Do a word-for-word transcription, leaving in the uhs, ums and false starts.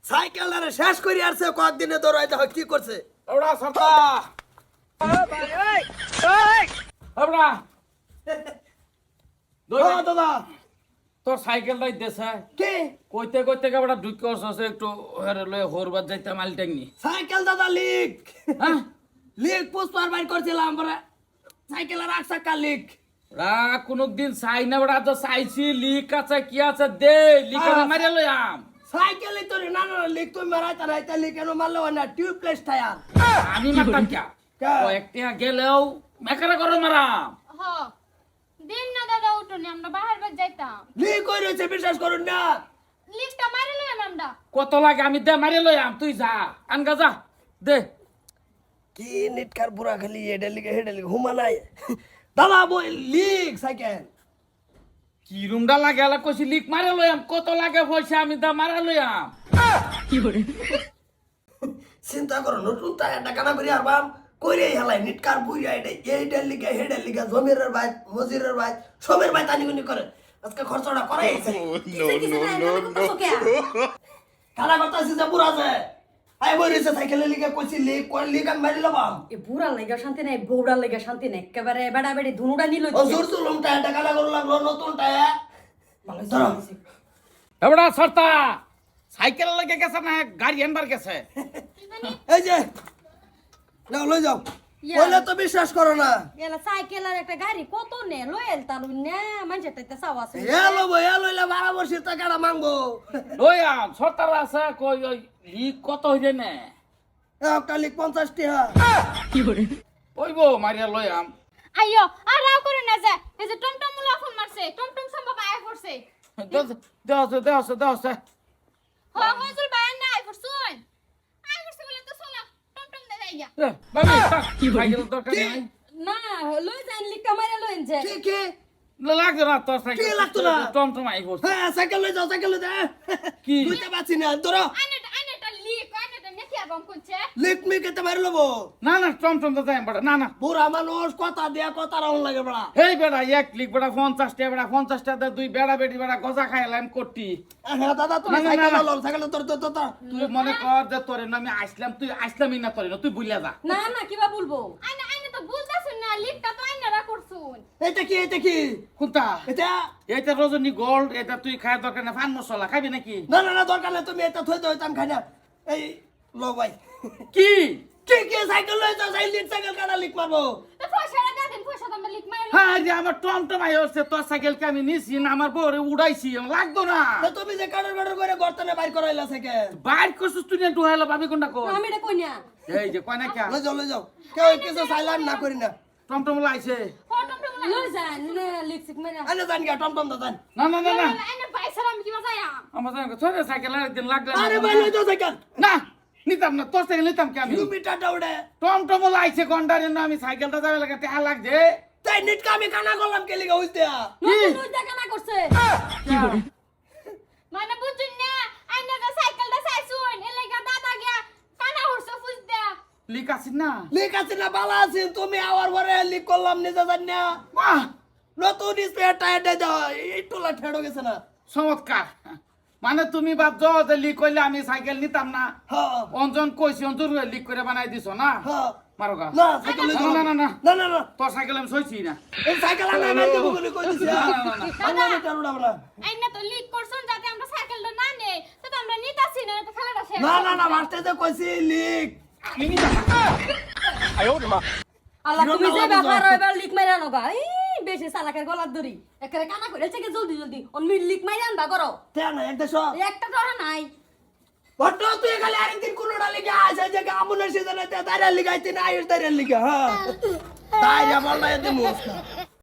সাইকেলটারে শেষ করে আসছে কয়েকদিনে দৌড়াইতে হয় কি করছে এবড়া সরতা এবড়া হ্যাঁ দাদা তোর সাইকেলটাই দেশে কে কইতে কইতে কেবড়া ঢুকে আসছে একটু হেরে লয়ে হরবার যাইতে মাল টাইনি সাইকেল দাদা লিক হ্যাঁ লিক পুষ্পার বাইর করছিলাম পরে সাইকেলের এক চাকা লিক রা কোনদিন চাই না বড়া তো চাইছি লিক আছে কি আছে দে লিক হ্যাঁ। মারিয়া লইয়াম সাইকেলই তো না না লিক তুমি মারাইতে রাইতে লিক কেন মারলো না টিউবলেস টায়ার আমি মারতাম কে কে? কয়েকটা গেলেও মেকারে করো মারাম হ দিন না দাদা উঠুনি আমরা বাহার বাদ যাইতাম লিক হয়ে রয়েছে বিশ্বাস করুন না লিফটটা মারি লইলাম আমরা কত লাগে আমি দে মারিয়া লইয়াম তুই যা আনগা যা দে কি নিটকার বুড়া খালি এটা লিখে হেডে লিখে হুমা নাই দাদা বই লিক সাইকেল কি রুমডা লাগে আলা কইছি লিক মারিয়া লইয়াম কত লাগে পয়সা আমি দা মারা লইয়াম চিন্তা করো নতুন টায়ারটা কানা করি আর বাম কইরে হেলাই নিটকার বুড়া এটা এইটা লিখে হেডে লিখে জমিরের ভাই মজিরের ভাই সবের ভাই তানি গুনি করে আজকে খরচটা করে কানা করতেছি যে বুড়া আছে আই বইরেছে সাইকেলে লিখে কইছি লিক কই লিক আমি মারি লবাম এ বুড়া লেগা শান্তি নাই বউড়া লেগা শান্তি নাই একেবারে বেড়া বেড়ি ধুনুটা নিল ও জোর চুলুম টায়ারটা কানা করে লাগলো নতুন টায়ার ধরো এবড়া সরতা সাইকেল লাগে গেছে না গাড়ি আনবার গেছে এই যে নাও লই যাও বলে তো বিশ্বাস করো না এলা সাইকেল আর একটা গাড়ি কত নে লয়েল তালু না মানছে তাইতে সাও আছে এলো বই এলো এলো বারো বছর টাকাটা মাংবো লইয়াম সরতার আছে কই ওই লিক কত হইছে না একটা লিখ পঞ্চাশ টাকা ওইবো মারিয়া লইয়াম আইয়ো আর রাও করে না যা এই যে টমটম মুলা ফোন মারছে টমটম সম্ভব আয় পড়ছে দেওছে দেওছে দেওছে হ মজুর বায়ান না আয় পড়ছুন আয় পড়ছে বলে তো চলো টমটম দে যাইয়া বাবি কি সাইকেল দরকার নাই না লই যান লিকা মারে লইন যে কি কি লাগতো না তোর সাইকেল কি লাগতো না? টমটম আই পড়ছে হ্যাঁ সাইকেল লই যাও সাইকেল লই যাও কি? বুঝতে পারছি না ধরো আইনেটা আইনেটা লিক আইনেটা নেকি আবাম কোনছে লিখ মি কেতে মারি লবো না না টমটম তো যাই বড় না না বুড়া মানুষ কথা দিয়া কথা রাউন লাগে বড়া হেই বেড়া এক লিক বেড়া পঞ্চাশ টাকা বেড়া পঞ্চাশ টাকা দুই বেড়া বেড়ি বেড়া গজা খাইলাম করতি হ্যাঁ দাদা তুমি না, না, সাইকেল না, না। লো সাইকেল তোর তোর তোর তুই মনে কর যে তোরে না আমি আসলাম তুই আসলামই না তোরে না তুই বুঝলা যা না না কিবা বলবো আইনে আইনে তো বুঝতাছুন না লিকটা তো আইনারা করছুন এটা কি এটা কি কোনটা এটা এটা রজনী গোল্ড এটা তুই খায় দরকার না ফান মশলা খাবি নাকি না না না দরকার নেই তুমি এটা থই দই তাম খাই না এই লো ভাই কি কি কি সাইকেল লই যাও সাইকেল সাইকেল কাটা লিখ মারবো তো পয়সাটা দে দেন পয়সা তো আমরা লিক মারি হ্যাঁ যে আমার টমটম আই হচ্ছে তোর সাইকেলকে আমি নিছি না আমার বউরে উড়াইছি আমার লাগতো না তো তুমি যে কাটার কাটার করে গর্তনে বাইর করাইলা সাইকেল বাইর করছিস তুই না ঢুকাইলো ভাবি কোনটা কর আমি এটা কই না এই যে কয় না কে লই যাও লই যাও কেউ কিছু সাইলাম না করি না টমটম লাইছে হ টমটম মুলা লই যান নে লিপস্টিক মেরা আনে জান গা টমটম দাদান না না না না আইনে পয়সা আমি কিবা যাইয়া আমার জানা তোর সাইকেল একদিন লাগলে আরে ভাই লই যাও সাইকেল না নিতাম না তোর সাইকেল নিতাম কি আমি কিলোমিটার দৌড়ে টমটম লাইছে গন্ডারে না আমি সাইকেলটা যাবে লাগে টেহা লাগছে তাই নিট কামি কানা করলাম কে লিগা হইতে নতুন লই দেখা না করছে মানে বুঝুন না আইনে তো সাইকেলটা চাইছুন এ লাগা দাদা গিয়া কানা হরছে ফুজ দে লিক আছে না লিক আছে না বালা আছে তুমি আওয়ার পরে লিক করলাম নিজে জান না বাহ নতুন স্পেয়ার টায়ার দে দাও এই টোলা ঠেড়ো গেছে না চমৎকার মানে তুমি ভাবছো যে লিক করলে আমি সাইকেল নিতাম না হ্যাঁ অঞ্জন কইছি অঞ্জন লিক করে বানাই দিছো না হ্যাঁ মারো গা না সাইকেল লই যাও না, না, না, না। না না না তোর সাইকেল আমি সইছি না এই সাইকেল আনা না দেব বলে কই দিছি না, না, না। আমরা আমি টারুডা বলা আইনে তো লিক করছুন যাতে আমরা সাইকেলটা না নেই তো তো আমরা নিতাছি না তো খেলাটা শেষ না না না মাস্টার যে কইছি লিক আমি নিতাম না। আল্লাহ তুমি যে কিরম ব্যাপার লাগছে? এবার লিক মাইরা নগা এই বেশি চালাকের গলার দড়ি একেবারে কানা করে থেকে জলদি জলদি অন্য লিক মাইরা আনবা করো তে না এক দেশ একটা টরা নাই বড় তুই খালি আরেকদিন কোনটা লিখে আসে যে আমনের সিজনে তে দাঁড়া লিখাইতে না আইস দাঁড়া লিখে হ্যাঁ দাঁড়া বললা এতে মুস্কা